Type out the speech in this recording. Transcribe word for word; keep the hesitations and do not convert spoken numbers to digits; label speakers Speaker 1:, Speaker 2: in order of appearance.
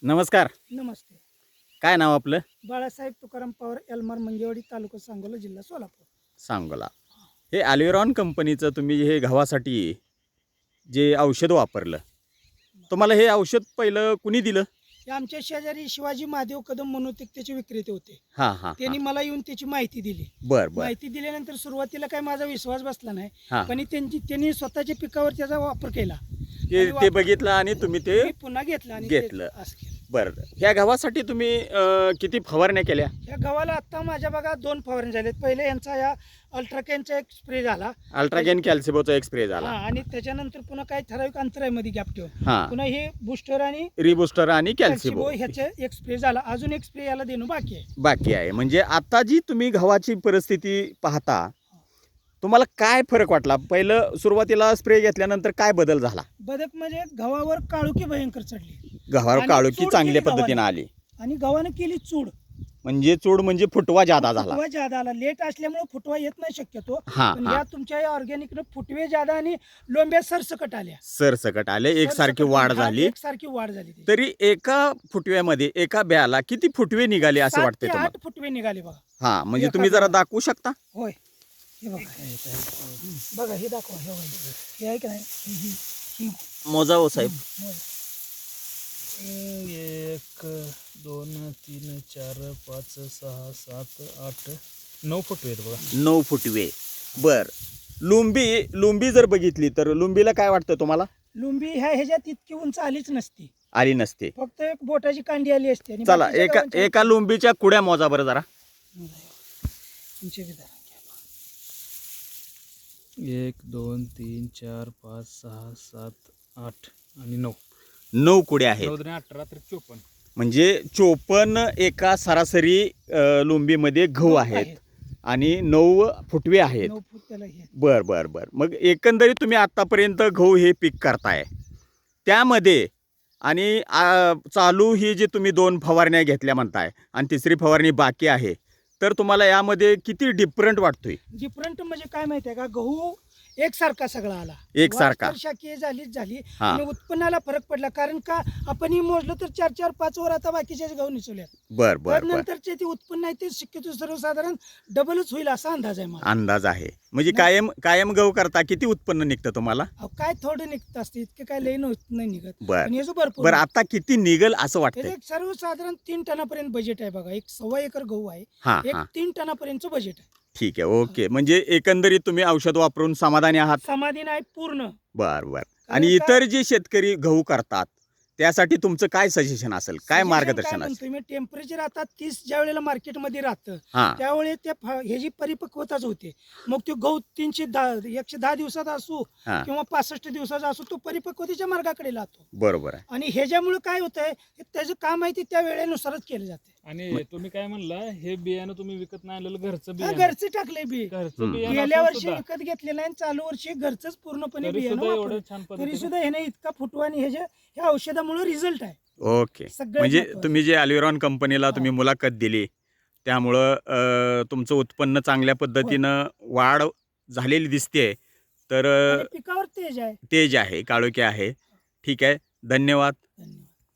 Speaker 1: नमस्कार.
Speaker 2: नमस्ते.
Speaker 1: काय नाव आपलं?
Speaker 2: बाळासाहेब तुकाराम पवार, एल्मार मंगेवाडी, तालुका सांगोला, जिल्हा सोलापूर.
Speaker 1: सांगोला. हे अल्विरॉन कंपनीचं तुम्ही हे गव्हासाठी जे औषध वापरलं, तुम्हाला हे औषध पहिलं कुणी दिलं?
Speaker 2: हे आमच्या शेजारी शिवाजी महादेव कदम मनोतिक त्याचे विक्रेते होते.
Speaker 1: हां हां
Speaker 2: त्यांनी मला येऊन त्याची माहिती दिली.
Speaker 1: बर बर
Speaker 2: माहिती दिल्यानंतर सुरुवातीला काही माझा विश्वास बसला नाही,
Speaker 1: हां
Speaker 2: पण त्यांची त्यांनी स्वतःच्या पिकावर त्याचा वापर केला.
Speaker 1: ते
Speaker 2: आणि
Speaker 1: ते
Speaker 2: वापर-
Speaker 1: बघितलं आणि तुम्ही ते
Speaker 2: मी पुन्हा घेतलं आणि ते
Speaker 1: घेतलं.
Speaker 2: असं केलं.
Speaker 1: बरं. ह्या गव्हासाठी तुम्ही अं, किती फवारण्या केल्या?
Speaker 2: या गव्हाला आता माझ्या बघा दोन फवारणी झालेत. पहिले यांचा या अल्ट्राकॅनचा एक स्प्रे झाला.
Speaker 1: अल्ट्रागेन कॅल्सिबोचा एक स्प्रे झाला.
Speaker 2: हा, आणि त्याच्यानंतर पुन्हा काही ठराविक अंतरामध्ये गॅप ठेवून
Speaker 1: हां
Speaker 2: पुन्हा हे बुस्टर आणि
Speaker 1: रिबुस्टर आणि
Speaker 2: कॅल्सिबो
Speaker 1: कॅल्सिबो
Speaker 2: ह्याचे एक स्प्रे झाला. अजून एक स्प्रे याला देणं बाकी आहे.
Speaker 1: बाकी आहे. म्हणजे आता जी तुम्ही गव्हाची परिस्थिती पाहता, तुम्हाला काय फरक वाटला? पहिलं सुरुवातीला स्प्रे घेतल्यानंतर काय बदल झाला?
Speaker 2: बदक म्हणजे गव्हावर काळुकी भयंकर चढली
Speaker 1: गव्हावर
Speaker 2: आणि
Speaker 1: काळोखी
Speaker 2: चूड
Speaker 1: चांगल्या
Speaker 2: केली
Speaker 1: पद्धतीने
Speaker 2: गव्हाने.
Speaker 1: आली.
Speaker 2: आणि गव्हानं केली चूड.
Speaker 1: म्हणजे चूड म्हणजे फुटवा जादा झाला.
Speaker 2: फुटवा जादा आला. लेट असल्यामुळे फुटवा येत नाही शक्यतो.
Speaker 1: हा
Speaker 2: पण
Speaker 1: हा
Speaker 2: या तुमच्या या ऑर्गॅनिकनं फुटवे जादा आणि लोंब्या सरसकट आल्या.
Speaker 1: सरसकट आले, एकसारखी
Speaker 2: सरसकट
Speaker 1: वाढ
Speaker 2: हा,
Speaker 1: झाली.
Speaker 2: एकसारखी वाढ झाली त्याची.
Speaker 1: तरी एका फुटव्यामध्ये एका ब्याला किती फुटवे निघाले असं
Speaker 2: सात
Speaker 1: वाटतंय
Speaker 2: ते
Speaker 1: तुम्हाला?
Speaker 2: आठ फुटवे निघाले बघा.
Speaker 1: हा, म्हणजे
Speaker 2: एका
Speaker 1: तुम्ही जरा
Speaker 2: ब्याला.
Speaker 1: दाखवू शकता?
Speaker 2: होय, हे बघा. बघा हे दाखवा. हे बघा. हे आहे की नाही? ही- ही- ही.
Speaker 1: मोजा हो साहेब.
Speaker 2: होय.
Speaker 3: एक दोन तीन चार पाच सहा सात आठ नऊ फुट आहेत बघा.
Speaker 1: नऊ फुटवे. बर. लुंबी लुंबी जर बघितली तर लुंबीला काय वाटतं तुम्हाला?
Speaker 2: लुंबी ह्या ह्याच्यात इतकी उंच आलीच नसती.
Speaker 1: आली नसते.
Speaker 2: फक्त एक बोटाची कांडी आली असते. आणि
Speaker 1: चला
Speaker 2: बाकीच्या
Speaker 1: एका
Speaker 2: गव्हांच्या-
Speaker 1: एका लुंबीच्या कुड्या मोजा बरं जरा.
Speaker 2: तुमचे विधान.
Speaker 3: एक दोन तीन चार पाच सहा सात आठ आणि नऊ.
Speaker 1: नऊ कुड्या आहेत.
Speaker 3: नऊ दोन्ही अठरा तर चोपन्न.
Speaker 1: म्हणजे चोपन्न एका सरासरी अ, लुंबीमध्ये गहू आहेत आणि नऊ फुटवे आहेत.
Speaker 2: नऊ फूट त्याला हे.
Speaker 1: बर बर बर. मग एकंदरीत तुम्ही आत्तापर्यंत गहू हे पीक करताय, त्यामध्ये आणि आ, चालू ही जी तुम्ही दोन फवारण्या घेतल्या म्हणताय आणि तिसरी फवारणी बाकी आहे, तर तुम्हाला यामध्ये किती डिफरंट वाटतोय?
Speaker 2: डिफरंट म्हणजे काय माहिती आहे का, गहू एकसारखा सगळा आला.
Speaker 1: एकसारखा.
Speaker 2: वाढ तर शाखीय झालीच झाली
Speaker 1: हा.
Speaker 2: आणि उत्पन्नाला फरक पडला. कारण का आपण ही मोजलं तर चार चार पाच वर आता बाकीचे गहू निसवल्यात.
Speaker 1: बर बर बर.
Speaker 2: नंतरचे ते उत्पन्न आहे ते शक्यतो सर्वसाधारण डबलच होईल असा अंदाज आहे मला.
Speaker 1: अंदाज आहे. म्हणजे कायम कायम गहू करता किती उत्पन्न निघतं तुम्हाला?
Speaker 2: अहो, काय थोडं निघत असते, इतके काय लई नव्हत- नाही निघत.
Speaker 1: बर
Speaker 2: पण याचं भरपूर
Speaker 1: बर.
Speaker 2: निघतं.
Speaker 1: आता किती निघल असं
Speaker 2: हे
Speaker 1: वाटतंय?
Speaker 2: एक सर्वसाधारण तीन टनापर्यंत बजेट आहे बघा. एक सव्वा एकर गहू आहे,
Speaker 1: हा
Speaker 2: एक
Speaker 1: हा
Speaker 2: तीन टनापर्यंतचं बजेट आहे.
Speaker 1: ठीक आहे. ओके. म्हणजे एकंदरीत तुम्ही औषध वापरून समाधानी आहात?
Speaker 2: समाधान आहे पूर्ण.
Speaker 1: बर बर.
Speaker 2: कारण
Speaker 1: आणि
Speaker 2: का-
Speaker 1: इतर जे शेतकरी गहू करतात त्यासाठी तुमचं काय सजेशन असेल, काय
Speaker 2: Suggestion
Speaker 1: मार्गदर्शन
Speaker 2: काय
Speaker 1: असेल?
Speaker 2: म्हणतोय मी, टेम्परेचर आता तीस ज्या वेळेला मार्केटमध्ये राहतं
Speaker 1: हा
Speaker 2: त्यावेळेस त्या फ- ह्याची परिपक्वताच होते. मग तो गहू तीनशे दहा एकशे दहा दिवसाचा असू
Speaker 1: हा
Speaker 2: किंवा पासष्ट दिवसाचा असू, तो परिपक्वतेच्या मार्गाकडे जातो.
Speaker 1: बरोबर आहे.
Speaker 2: आणि ह्याच्यामुळे काय होतंय, हे त्याचं काम आहे ते त्या वेळेनुसारच केलं जाते.
Speaker 3: आणि तुम्ही काय म्हणला, हे बियाणं तुम्ही विकत नाही आणलेलं घरचं
Speaker 2: हा,
Speaker 3: बियाणं.
Speaker 2: घरचे टाकले बी.
Speaker 3: घरचं
Speaker 1: हम्म.
Speaker 3: बियाणं
Speaker 2: गेल्या
Speaker 3: असून
Speaker 2: वर्षी
Speaker 3: सुद्धा
Speaker 2: विकत घेतलेलं आहे आणि चालू वर्षी घरचंच पूर्णपणे
Speaker 3: तरी
Speaker 2: बियाणं
Speaker 3: सुद्धा
Speaker 2: वापरलं.
Speaker 3: एवढं छान
Speaker 2: तरी
Speaker 3: पद्धतीने
Speaker 2: सुद्धा ह्याने इतका फुटवा आणि ह्याच्या ह्या औषधामुळे रिझल्ट आहे.
Speaker 1: ओके.
Speaker 2: सगळ्यात
Speaker 1: म्हणजे
Speaker 2: महत्त्वाचं.
Speaker 1: तुम्ही जे अल्विरॉन कंपनीला तुम्ही मुलाखत दिली त्यामुळं अ, तुमचं उत्पन्न चांगल्या पद्धतीनं वाढ झालेली दिसते. तर
Speaker 2: आणि पिकावर तेज आहे.
Speaker 1: तेज आहे, काळोखी आहे. ठीक आहे. धन्यवाद.
Speaker 2: धन्यवाद.